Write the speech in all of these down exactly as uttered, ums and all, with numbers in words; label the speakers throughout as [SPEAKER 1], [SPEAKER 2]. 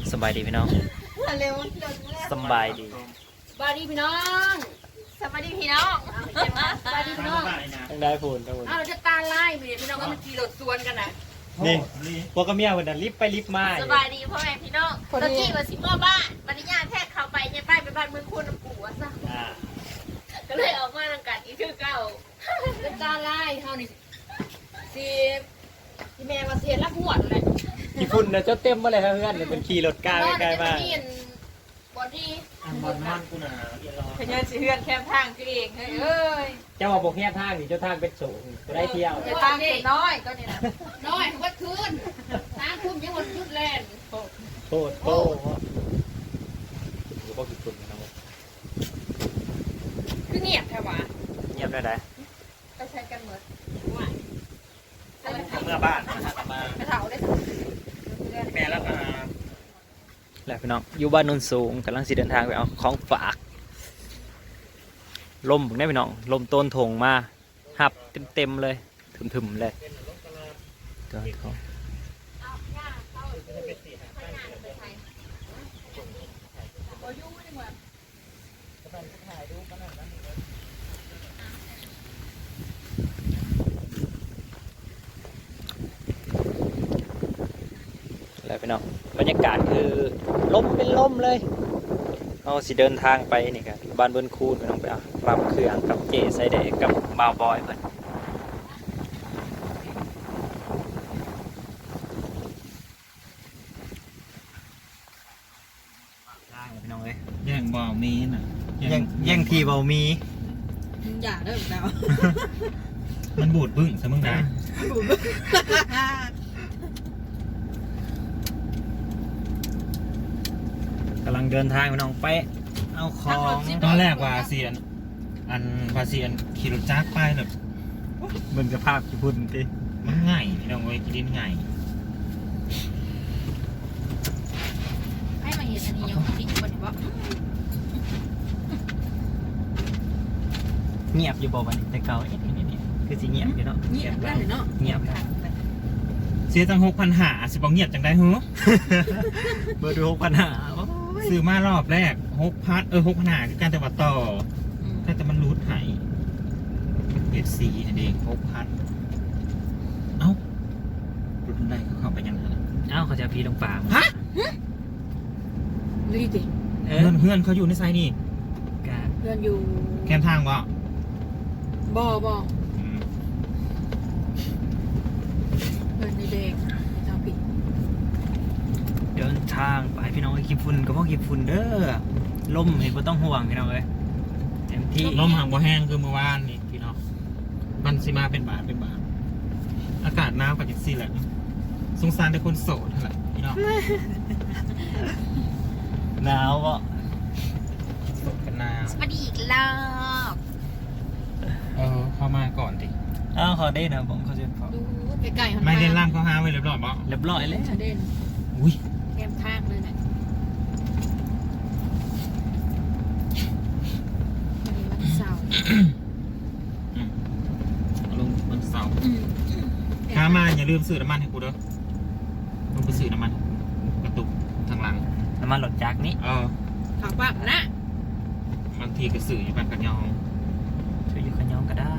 [SPEAKER 1] สบายดีพี่น้อง
[SPEAKER 2] เร็ว
[SPEAKER 1] สบายดี
[SPEAKER 2] สบายดีพี่น้องสบายดีพี่น้องสบายดีพี่น้อง
[SPEAKER 1] ต้องได้พูนต้องพูน
[SPEAKER 2] อ้าวเราจะตาไล่ไปพี่น้องก็มันขี่รถสวนกันนะ
[SPEAKER 1] นี่พวกกับเมียคนนั้นรีบไปรีบมา
[SPEAKER 2] สบายดีพ่อแม่พี่น้องตะกี้มาสิเมื่อบ้านวันนี้ญาติแท้เข้าไปเนี่ยไปไปบ้านเมืองคุณน้ำปู่ซะก็เลยออกมาทางกันอีกคือเก่าจะตาไล่เท่านี้สิที่แม่มาเสียรักหัวเลย
[SPEAKER 1] ขี่ฝุ่นนะเจ้าเต็มมาเลยครับเพื่อนเป็นขี่รถกล้าใกล้ๆมา
[SPEAKER 2] บอดี้
[SPEAKER 1] บอลมันกูหนา
[SPEAKER 2] ขยันสิเฮือนแคมทางก็เองเฮ้ย
[SPEAKER 1] เจ้าบอกแค่ทางนี่เจ้าทางเป็นสูงจะได้เที่ยว
[SPEAKER 2] จะทางเป็นน้อยก็นี่นะน้อยวัดคืนน้ำทุ่มยังวันยุดแลน
[SPEAKER 1] โตโตโตหรือว่าขี่ฝุ่นนะ
[SPEAKER 2] คือเงียบแค่ว่า
[SPEAKER 1] เงียบได้ไหม
[SPEAKER 2] ไปใช้กันเหมือนว่า
[SPEAKER 1] เมื่อบ้านนะครับมา
[SPEAKER 2] ไปเถาได้
[SPEAKER 1] แม่แล้วก็แหละพี่น้องอยู่บ้านนนสูงกำลังสิเดินทางไปเอาของฝากลมผมได้พี่น้องลมต้นถงมาหับเต็มๆเลยถึมๆเลยตัวเขาแล้วพี่น้องบรรยากาศคือลมเป็นลมเลยเอาสิเดินทางไปนี่ครับบ้านเบิ้ลคูนพี่น้องไปเอาปรับเครื่องกับเจไซเดกับบาวบอยเพื่อนพี่น้องเลย
[SPEAKER 3] แย่งบ่าวมีน่ะ
[SPEAKER 1] แย่งแย่งทีบ่าวมี
[SPEAKER 2] อย่าเด้อเรา
[SPEAKER 3] มันบูดบึ้งซะมึงนะ
[SPEAKER 1] กำลังเดินทางพี่น้องไปเอาของ
[SPEAKER 3] ตอนแรกว่าเสียนอันว่าเสียนขี่รถจักรไปแบบ
[SPEAKER 1] เบิ่งสภาพญี่ปุ่นที
[SPEAKER 3] มันง่ายพี่น้องเว้ยกินง่าย
[SPEAKER 2] ให้มาเห็นอันนี้ยังติดอยู่บนว่า
[SPEAKER 1] เงียบอยู่บ่วันนี้แต่เก่าเอ๊ะนี่นี่คือสิเงียบอยู่เนาะ
[SPEAKER 2] เงียบได้เนาะ
[SPEAKER 1] เงียบ
[SPEAKER 3] เสียตั้งหกพันหาสิบเงียบจังได้เหรอ
[SPEAKER 1] เบอร์ดูหกพันหา
[SPEAKER 3] ซื้อมารอบแรกหกพันเออหกพันหาคือการแต่ว่าต่อแต่มันรูดหายเอฟซีนั่นเองหกพันเอ้ารูดได้เขาเข้าไปยังไง
[SPEAKER 1] เอ้าเขาจะพีลงป่า
[SPEAKER 3] ฮะ
[SPEAKER 2] ดีดิ
[SPEAKER 3] เพื่อนเพื่อนเขาอยู่ในไซนี่
[SPEAKER 2] เพื่อนอยู่
[SPEAKER 3] แคมทางวะ
[SPEAKER 2] บ่บ่เพื่อนในเด็กเจ้าปิด
[SPEAKER 1] เดินทางไปพี่น้องไอ้ขี้ฝุ่นก็เพราะขี้ฝุ่นเด้อลมเห็นว่าต้องห่วงพี่น้องเลยเต็มที่
[SPEAKER 3] ลมห่างบ่แห้งคือเมื่อวานนี่พี่น้องมันสิมาเป็นบาทเป็นบาทอากาศหนาวกับจังซี่แหละสงสารแต่คนโสดเท่านั้นพี่น้อง
[SPEAKER 1] หนาวอ่ะ
[SPEAKER 3] โสดกันหนาว
[SPEAKER 2] สวัสดีอีกรอบ
[SPEAKER 3] เออเข้ามาก่อนดิ
[SPEAKER 1] อ้าวเขาได้นะผมเขาจะพอ
[SPEAKER 2] ดูไกลๆ
[SPEAKER 3] ไม่เล่นล่างเขาหาไว้เรียบร้อยบ่
[SPEAKER 1] เรียบร้อยเลย
[SPEAKER 2] เด่น
[SPEAKER 3] อุ้ย
[SPEAKER 2] แคมทางเลยนะวันเสาร์
[SPEAKER 3] ลงวันเสาร์ข้ามาอย่าลืมซื้อน้ำมันให้กูเด้อลงไปซื้อน้ำมันกระตุกทางหลัง
[SPEAKER 1] น้ำมันหลดจากนี้
[SPEAKER 3] เออ
[SPEAKER 2] ขับปั๊บนะ
[SPEAKER 3] บางทีก็ซื้ออยู่บ้านกันยอง
[SPEAKER 1] ซื้ออยู่กันยองก็ได้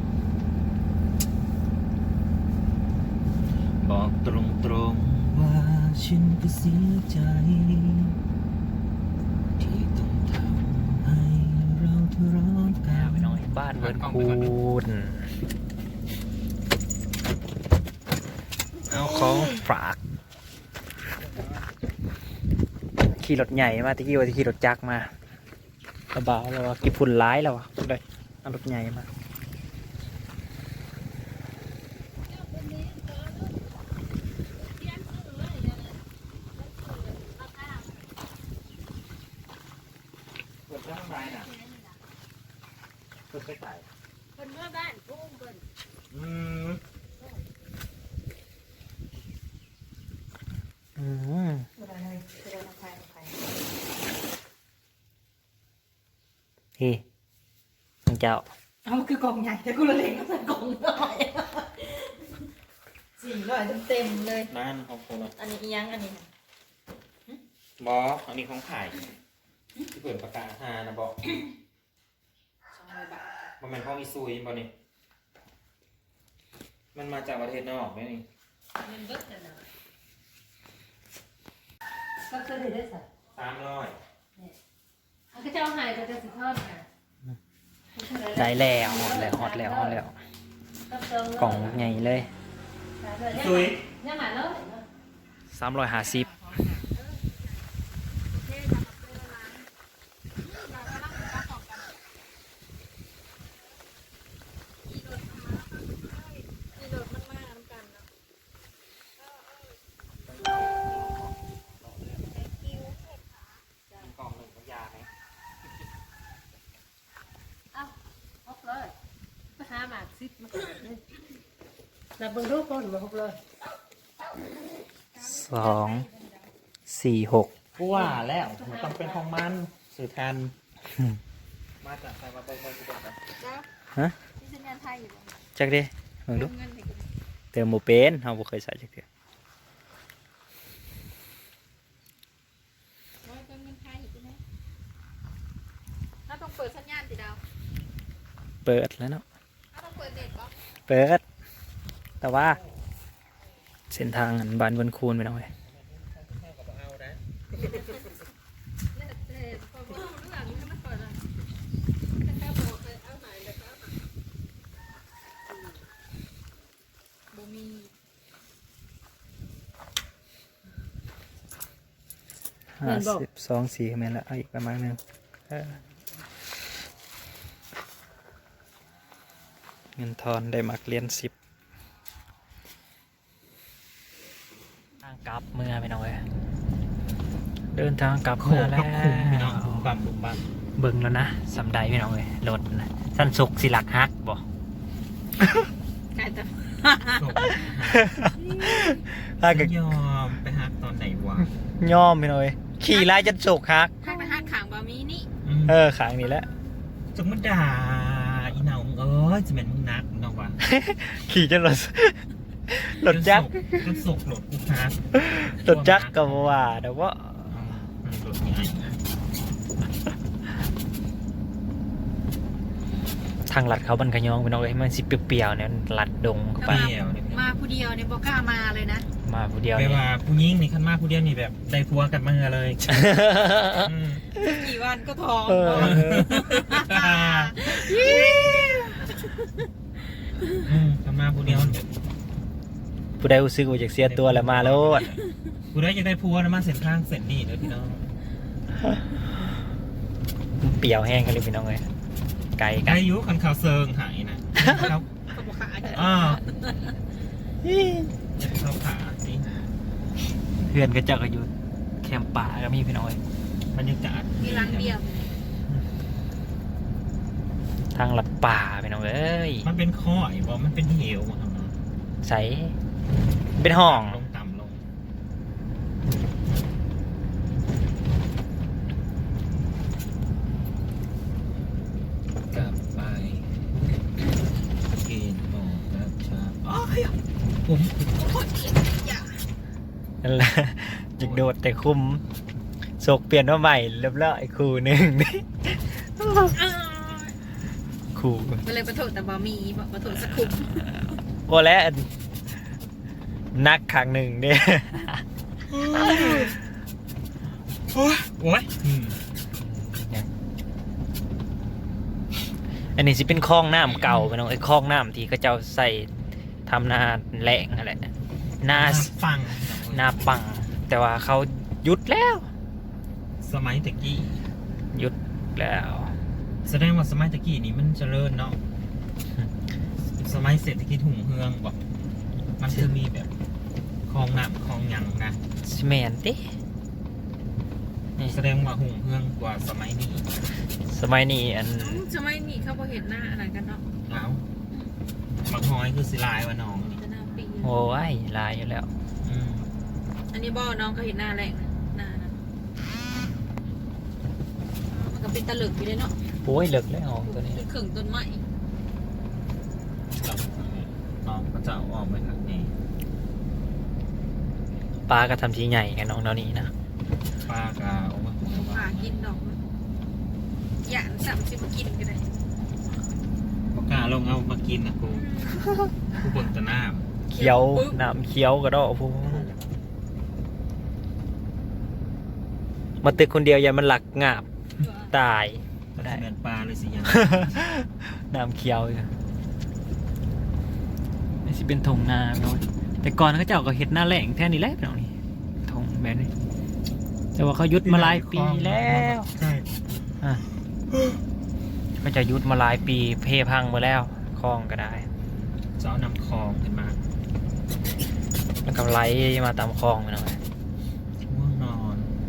[SPEAKER 3] บอกตรงตรงว่าฉันก็เสียใจที่ต้องทำให้เราทะเลาะกัน
[SPEAKER 1] ไปน้อยบ้านเบิร์นคูนเอาของฝากขี่รถใหญ่มาตะกี้ว่าจะขี่รถจักรมาระบาแล้วว่ากี่ฝุ่นร้ายแล้ววะเลยเอารถใหญ่มา
[SPEAKER 2] คนเมื่อบ้านพุ่งคน
[SPEAKER 3] อืม
[SPEAKER 1] อืมเฮ้น้องเจ้า
[SPEAKER 2] เอาคือกล่องใหญ่แต่กูละเล็กก็ใส่กล่องหน่อยสี่ร้อยเต็มเลย
[SPEAKER 3] นั่นขอบคุณ
[SPEAKER 2] อันนี้ยังอันนี้
[SPEAKER 3] บออันนี้ของขายที่เปิดประกาศหานะบอก
[SPEAKER 2] สองร้อยบาท
[SPEAKER 3] มันเป็นของอีซุยบอนี่มันมาจากประเทศนอกไหมนี่
[SPEAKER 2] เงินเบิดแต่ละ
[SPEAKER 4] ก็เคยได้สัก
[SPEAKER 3] สามร้อย
[SPEAKER 4] อันก็จะเอาหายก็จะสิทอดค่ะ
[SPEAKER 1] ได้แล้วฮอดแล้วฮอดแล้วฮอดแล้วกล่องใหญ่เลย
[SPEAKER 3] อีซุย
[SPEAKER 4] ยังหาแล้ว
[SPEAKER 1] สามร้อยห้าสิบ
[SPEAKER 3] กล่องหนึ่งของยาไหม
[SPEAKER 4] หกเลยมาหาหมากซิปมาแต่เบิ่งรูปคนมาหกเลย
[SPEAKER 1] สองสี่หก
[SPEAKER 3] กูว่าแล้วมันต้องเป็นของมันสื่อทันมาจากใครมาเบิ่งเบิ่งกูบอกกัน
[SPEAKER 1] ฮะ
[SPEAKER 2] ที่สัญญาณไทยอยู่บ่
[SPEAKER 1] จักดิมึงดู
[SPEAKER 2] เงินให้กู
[SPEAKER 1] เติมโมเป็นเฮาบ่เคยใส่จักเทื่อ
[SPEAKER 2] ร้อยเงินไทยอยู่ที่ไหนเราต้องเปิดสัญญาณสิดาว
[SPEAKER 1] เปิดแล้วเนาะ
[SPEAKER 2] เราต้องเปิดเน็ตบ่
[SPEAKER 1] เปิด แต่ว่า เส้นทางอันบ้านเบิ่นคูนไปหน่อย
[SPEAKER 3] เอานะ
[SPEAKER 2] เน็ตเน็ตพอบอกเรื่องนี้มันเปิดอ่ะแต่ถ้าบอกไปเอาหายเลยก็เอาหายบ่มี
[SPEAKER 1] ห้าสิบสองสี่แม่นละเอาอีกประมาณหนึงเออเงินทอนได้มักเรียนสิบทางกลับเมื่อไปหน่อยเดินทางกลับ
[SPEAKER 3] โค
[SPEAKER 1] เมื่อ
[SPEAKER 3] ตร
[SPEAKER 1] แล้ว
[SPEAKER 3] คุ้มพี่น้องบุมบัมบุมบัม
[SPEAKER 1] เบิ่งแล้วนะสำได้พี่น้องเลยรถนะสั้นสุกสิหลักฮักบ่
[SPEAKER 2] ไก่แต่
[SPEAKER 1] ถ้าเกิด
[SPEAKER 3] ยอมไปฮักตอนไหนวะ
[SPEAKER 1] ย่อมพี่น้องเลยขี่ไล่จนสุกฮัก
[SPEAKER 2] ถ้าไปห้างขางบะมีนี่
[SPEAKER 3] ม
[SPEAKER 1] เออขางนี้แหละ
[SPEAKER 3] จงมาด่าอีเหนามึงเอ้ยจะเป็นมึงนักมึงนอกวะ
[SPEAKER 1] ขี่จนรถรถจักร
[SPEAKER 3] รถสุกรถกูฮัก
[SPEAKER 1] รถจักรก็บ่ว่าแต่ว่า
[SPEAKER 3] อืมรถใหญ่
[SPEAKER 1] ทางลัดเขาบันกระยองพี่น้องเลยมันสิเปรี้ยวๆเนี่ยลัดดงเข้า
[SPEAKER 3] เป
[SPEAKER 1] ไป
[SPEAKER 3] รี้ยวเนี่ย
[SPEAKER 2] มาผู้เดียวเนี่ยบอกล้ามาเลยนะ
[SPEAKER 1] มาผู้เดียว
[SPEAKER 3] ไป
[SPEAKER 1] นี่
[SPEAKER 3] ว่าผู้หญิงนี่ขั้นมากผู้เดียวนี่แบบได้พัวกันมาเลยอืม
[SPEAKER 2] กี่วันก็ท้อง
[SPEAKER 1] เออ
[SPEAKER 3] อืมขั้นมากผู้เดียวนี่
[SPEAKER 1] ผู้ใดรู้สึกว่าอยากเสียตัวแล้วมาโลด
[SPEAKER 3] ผู้ใดจะได้พัวนะมาเส้นทางเส้นนี่เลยพี่น้อง
[SPEAKER 1] เปรี้ยวแห้งกันเลยพี่น้องเลยไกลกั
[SPEAKER 3] อาน ยุคันข่าวเซิงหายนะเขา
[SPEAKER 2] เขาบอกขาจะ
[SPEAKER 3] อ่าจะเข้าขาสิ
[SPEAKER 1] เพื่อนก็เจอกันอยู่แคมป์ป่าก็มีพี่น้องเลย
[SPEAKER 3] บรรยากาศ
[SPEAKER 2] มีรังเดียว
[SPEAKER 1] ทางลัดป่าพี่น้องเอ้ย
[SPEAKER 3] มันเป็นข้อยบ่มันเป็นเหวอะ
[SPEAKER 1] ใสเป็นห้อง
[SPEAKER 3] ลงต่ำลงกลับไปกินหมูกระชาอ้ายผม
[SPEAKER 1] นั่นแหละจิกโดดแต่คุมโศกเปลี่ยนมาใหม่เรียบร้อยคู่หนึ่งนี่คู่
[SPEAKER 2] ก็เลยประโถแต่บะมีประโถสักคุม
[SPEAKER 1] โอ้แล้วนักขังหนึ่งเด้
[SPEAKER 3] โอ้ยโอ้ยอืม
[SPEAKER 1] อันนี้สิเป็นคลองน้ำเก่าพี่น้องไอ้คลองน้ำที่เขาเจ้าใส่ทำนาแหล่งอะไรนา
[SPEAKER 3] ฟัง
[SPEAKER 1] นาปัง แต่ว่าเขาหยุดแล้ว
[SPEAKER 3] สมัยตะกี้
[SPEAKER 1] หยุดแล้ว
[SPEAKER 3] แสดงว่าสมัยตะกี้นี่มันเจริญเนาะสมัยเศรษฐกิจหุ่งเฮืองบอกมันคือมีแบบคลองน้ำคลองหยังนะ
[SPEAKER 1] สแมนตินี่
[SPEAKER 3] แสดงว่าหุ่งเฮืองกว่าสมัยนี้
[SPEAKER 1] สมัยนี้อัน
[SPEAKER 2] จะไม่นี่เขาพอเห็นหน้าอะไรกันเนาะ
[SPEAKER 3] เอาบักฮอยคือสิลายว่าน้องนี่
[SPEAKER 2] จะหน้าปี
[SPEAKER 1] โอ้ยลายอยู่แล้ว
[SPEAKER 3] อืม
[SPEAKER 2] อันนี้บ่น้องเขาเห็นหน้าแรงนะหน้านะมันก็เป็นตะลึกอยู่เลยเนาะ
[SPEAKER 1] โอ้ยเลิกแล้วตัวนี้
[SPEAKER 2] เป็นขึงต้นไม้
[SPEAKER 3] เราน้องก็จะเอาออกไปทางนี้
[SPEAKER 1] ปลาก็ทำทีใหญ่กันน้องเนานี่นะ
[SPEAKER 3] ปลากาโอ้โห
[SPEAKER 2] หากินดอกหยาดสับสิมากินกันเลย
[SPEAKER 3] ปลากาลงเอามากินนะกูกูเบิ่งแตะหน้า
[SPEAKER 1] เขียวน้ำเขียวกระดอกพูมาตึกคนเดียวอย่ามันหลักงาบตาย
[SPEAKER 3] ก็ได้เหมือนปลาเลยสิยัง
[SPEAKER 1] น้ำเขียวอีกนี่สิเป็นทงนาพี่น้องแต่ก่อนเขาเจ้าก็เห็ดหน้าแหล่งแท่นี้แหละพี่น้องนี่ทงแบบนี้แต่ว่าเขายุดมาหลายปีแล้ว
[SPEAKER 3] ใช่
[SPEAKER 1] อ่ะก็จะยุดมาหลายปีเพพังมาแล้วคลองก็ได้
[SPEAKER 3] จะเอานำคลองขึ้นมา
[SPEAKER 1] แล้วก็ไหลมาตามคลองไปหน่อย
[SPEAKER 3] ง่วงนอน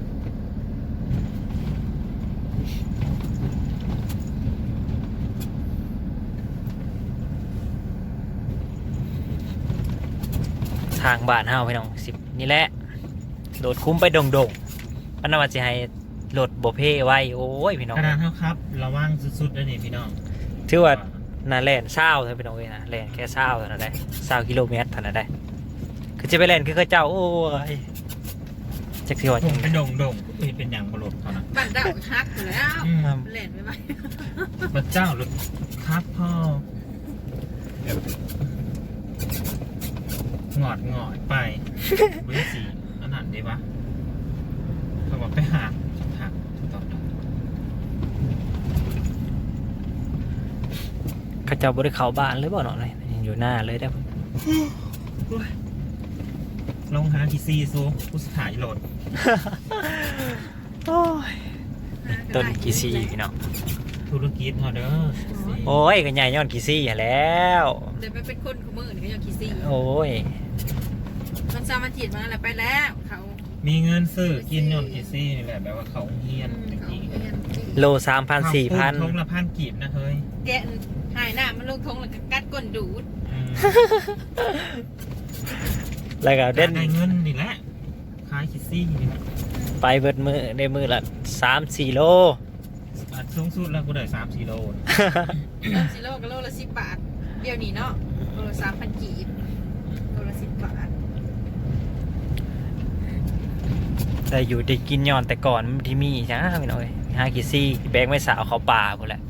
[SPEAKER 1] ทางบ้านเฮาพี่น้องสิบนี่แหละโดดคุ้มไปดงดงๆอันนั้นว่าจะให้โหลดโบเพไว้โอ้ยพี่น้อง
[SPEAKER 3] กระดานเท่าครับระวังสุดๆเลยนี่พี่น้อง
[SPEAKER 1] ถือว่านาแลนเศร้าเท่าพี่น้องเลยนะแลนแค่เศร้าเท่านั้นได้เศร้ากิโลเมตรเท่านั้นได้คือจะไปแลนคือเขาเจ้าโอ้ยจักสิว่า
[SPEAKER 3] ผ
[SPEAKER 1] จั
[SPEAKER 3] ม
[SPEAKER 1] ง
[SPEAKER 3] เป็นดงดงๆเห็นเป็นอย่างบรดเขานะ
[SPEAKER 2] บ้านดาวฮักอยู่แล้ว
[SPEAKER 3] อืม
[SPEAKER 2] เล่นไปไหม
[SPEAKER 3] พระเจ้าหรือครับพ่อหงอดหงอดไปเบอร์สี่อันนั้นดีปะเขาบอกไปหักหักต่อต่อ
[SPEAKER 1] เขาเจ้าบริเขาบ้านหรือเปล่าเนาะเลยยังอยู่หน้าเลยได้
[SPEAKER 3] ลงหาทีซีซูผู้สถายโหลด
[SPEAKER 1] โอ้ยต้นกีซี่พี่น้อง
[SPEAKER 3] ธุรกิจเขาเด้อ
[SPEAKER 1] โอ้ยก็ใหญ่ย้อนกีซี่หั่นแล้ว
[SPEAKER 2] เดี๋ยวไปเป็นคนขมือนี่ก็ยังคิดซี่
[SPEAKER 1] โอ้ย
[SPEAKER 2] มันสามารถจีดมาอะไรไปแล้วเขา
[SPEAKER 3] มีเงินซื้อกินยนทีซีนี่แหละแบบว่าเขาเฮียนจริง
[SPEAKER 1] โลสามพันสี่พัน
[SPEAKER 3] ทงละพันกีบนะเฮ้ย
[SPEAKER 2] แกะหายหน้ามันลงทงแล้วก็กัดก้นดูด
[SPEAKER 3] อืม
[SPEAKER 1] แล้วก็เด่น
[SPEAKER 3] ได้เงินนี่แหละขายคิดซี่นี่แหละ
[SPEAKER 1] ไปเบิดมือในมือละสามสี่โล
[SPEAKER 3] อันสูงสุดแล้วกูได้สามสี่โล
[SPEAKER 2] สามสิโลก็โลละสิบบาทเดี๋ยวนี้เนาะโลละสามพันกีบโลละสิบบาท
[SPEAKER 1] แต่อยู่ได้กินย้อนแต่ก่อนมันที่มีจ้าพี่น้องเอ้ยห้ากีซี่แบงไม่สาวเขาป่าหมดแหละ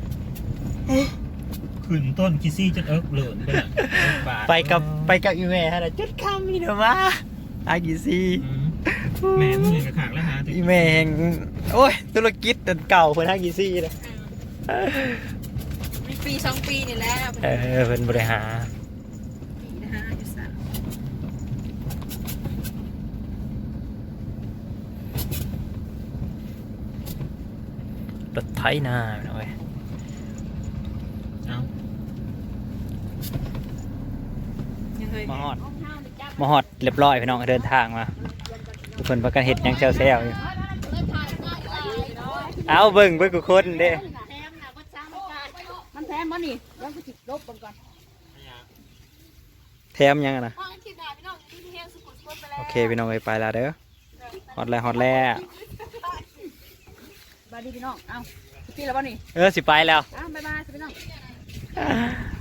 [SPEAKER 3] ขึ้นต้นคิดซี่จนเอิกเหลือนไปละเอิกบาท
[SPEAKER 1] ไปกับไปกับอีเมลฮะจุดคำนี่เนาะมาห้ากีซี่
[SPEAKER 3] อืมแม่มึงกับขางแล้วฮะ
[SPEAKER 1] อีเมลแห่งโอ้ยธุรกิจอันเก่าเพิ่นห้ากีซี่นะ
[SPEAKER 2] มีปีสองปีนี่แหละ
[SPEAKER 1] เออเพิ่นบริหาร
[SPEAKER 2] ปีนะฮะอยู่สาม
[SPEAKER 1] รถไถนาพี่น้องเอ้ย
[SPEAKER 3] เอา
[SPEAKER 2] ยังเคย
[SPEAKER 1] มาฮอดมาฮอดเรียบร้อยพี่น้องเดินทางมาทุกคนประกันเห็ดหยังแซวๆอยู่เอาเบิ่งเบิ่งกูคนเด้
[SPEAKER 4] มันแถมบ่นี่แล้วก็จิบลบเบิ่งก่อน
[SPEAKER 1] แถมหยังอะนะโอเคพี่น้องเอ้ยไปแล้วเด้อฮอดแล้วฮอดแล้ว
[SPEAKER 4] บายดีพี่น้องเอ้าพี่แล้วบ่นี่
[SPEAKER 1] เออสิไปแล้ว
[SPEAKER 4] อ้าวบ๊ายบายพี่น้อง